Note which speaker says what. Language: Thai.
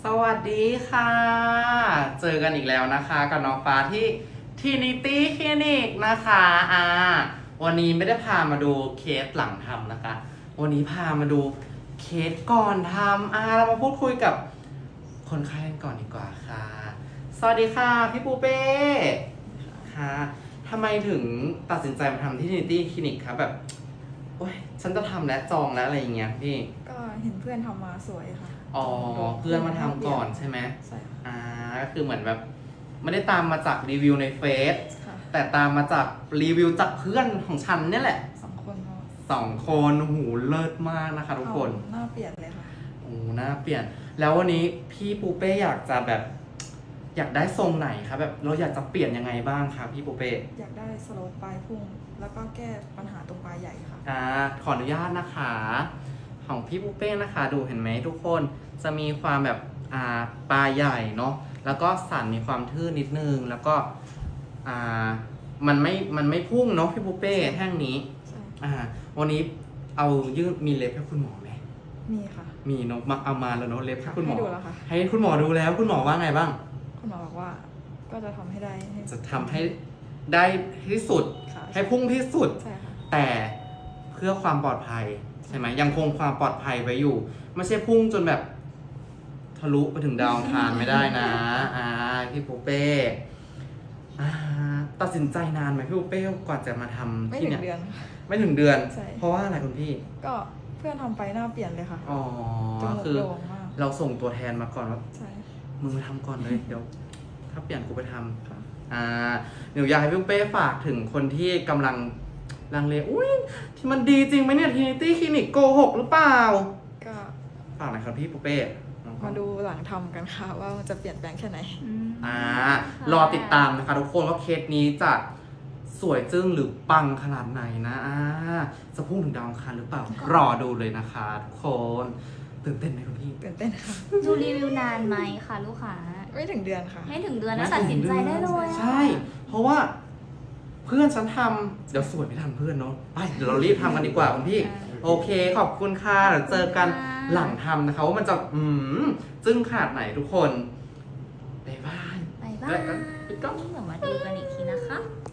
Speaker 1: สวัสดีค่ะ เจอกันอีกแล้วนะคะกับน้องฟ้าที่ Trinity Clinic นะคะวันนี้ไม่ได้พามาดูเคสหลังทำนะคะ วันนี้พามาดูเคสก่อนทำเรามาพูดคุยกับคนไข้กันก่อนดีกว่าค่ะ สวัสดีค่ะพี่ปูเป้ค่ะทำไมถึงตัดสินใจมาทำที่ Trinity Clinic ครับแบบโอ๊ยฉันจะทำแล้วจองแล้วอะไรอย่างเงี้ยพี่
Speaker 2: ก็เห็นเพื่อนทำมาสวยค่ะ
Speaker 1: เพื่อนมาทำก่อนใช่ไหม
Speaker 2: ใช่ค่ะ
Speaker 1: ก็คือเหมือนแบบไม่ได้ตามมาจากรีวิวในเฟซ
Speaker 2: ค่ะ
Speaker 1: แต่ตามมาจากรีวิวจากเพื่อนของฉันเนี่ยแหละ
Speaker 2: 2 คน
Speaker 1: หูเลิศมากนะคะทุกคน
Speaker 2: หน้าเปลี่ยนเลยค่ะ
Speaker 1: หน้าเปลี่ยน แล้ววันนี้พี่ปูเป้อยากจะแบบอยากได้ทรงไหนคะแบบเราอยากจะเปลี่ยนยังไงบ้างคะพี่ปูเป้
Speaker 2: อยากได้สโลปปลายพุ่ง แล้วก็แก้ปัญหาตรงปลายใหญ่ค่ะ
Speaker 1: ขออนุญาตนะคะของพี่ปูเป้นะคะ ดูเห็นไหมทุกคนจะมีความแบบปลายใหญ่เนาะแล้วก็สันมีความทื่อนิดนึงแล้วก็มันไม่พุ่งเนาะพี่ปูเป้แท่งนี้
Speaker 2: ใช่
Speaker 1: วันนี้เอายื่นมีเล็บให้คุณหมอไหม
Speaker 2: มีค่ะ
Speaker 1: มีเนาะมาเอามาแล้วเนาะเล็บให้คุณหมอ
Speaker 2: ให้ดูแล้วค่ะ
Speaker 1: ให้คุณหมอดูแล้วคุณหมอว่าไงบ้าง
Speaker 2: คุณหมอบอกว่าก็จะทำให้ได้
Speaker 1: จะทำให้ได้ที่สุด
Speaker 2: ค่ะ
Speaker 1: ให้พุ่งที่สุด
Speaker 2: ใช่ค่ะ
Speaker 1: แต่เพื่อความปลอดภัยใช่ไหมยังคงความปลอดภัยไว้อยู่ ไม่ใช่พุ่งจนแบบทะลุไปถึงดาวอังคารไม่ได้นะพี่ปูเป้ตัดสินใจนานไหมพี่ปูเป้กว่าจะมาทำ
Speaker 2: ไม่
Speaker 1: ที่
Speaker 2: ถึ
Speaker 1: เนี่
Speaker 2: ง
Speaker 1: ย
Speaker 2: เดือน
Speaker 1: ไม่ถึงเดือน
Speaker 2: ใช่
Speaker 1: เพราะว่าอะไรคุณพี่
Speaker 2: ก็เพื่อนทำไปหน้าเปลี่ยนเลยค่ะ จมูก
Speaker 1: คือ
Speaker 2: โด่งมาก
Speaker 1: เราส่งตัวแทนมาก่อนว่า
Speaker 2: ใช่
Speaker 1: มึงมาทำก่อนเลย เดี๋ยว ถ้าเปลี่ยนกูไปทำ
Speaker 2: ค่ะ
Speaker 1: หนูอยากให้พี่เป้ฝากถึงคนที่กำลังลังเลอุ้ยที่มันดีจริงไหมเนี่ยทีนิตี้คลินิกโกหกหรือเปล่า
Speaker 2: ก็
Speaker 1: ฝากหน่อยครับพี่ปูเป้น้อง
Speaker 2: มาดูหลังทำกันค่ะว่ามันจะเปลี่ยนแปลงแค่ไหน
Speaker 1: รอติดตามนะคะทุกคนว่าเคสนี้จะสวยจึ้งหรือปังขนาดไหนนะจะพุ่งถึงดาวอังคารหรือเปล่า รอดูเลยนะคะทุกคนตื่นเต้นไหมคุณพี่
Speaker 2: ตื่นเต้นค่ะ
Speaker 3: ดูรีวิวนานไหมคะลูกค้า
Speaker 2: ไม่ถึงเดือนค่ะ
Speaker 3: ไม่ถึงเดือนแล้วตัดสินใจได้เลยอะ
Speaker 1: ใช่ เพราะว่าเพื่อนฉันทำเดี๋ยวสวยไม่ทันเพื่อนเนาะไปเดี๋ยวเรารีบทำกันดีกว่าคุณพี่ โอเคขอบคุณค่ะเดี๋ยวเจอกันหลังทำนะคะว่ามันจะจึ้งขนาดไหนทุกคนบ๊ายบาย
Speaker 3: บ๊ายบา
Speaker 1: แล้ว
Speaker 3: ย
Speaker 1: ก็ปิดกล้อง
Speaker 3: เดี๋ยวมาดูกันอีกทีนะคะ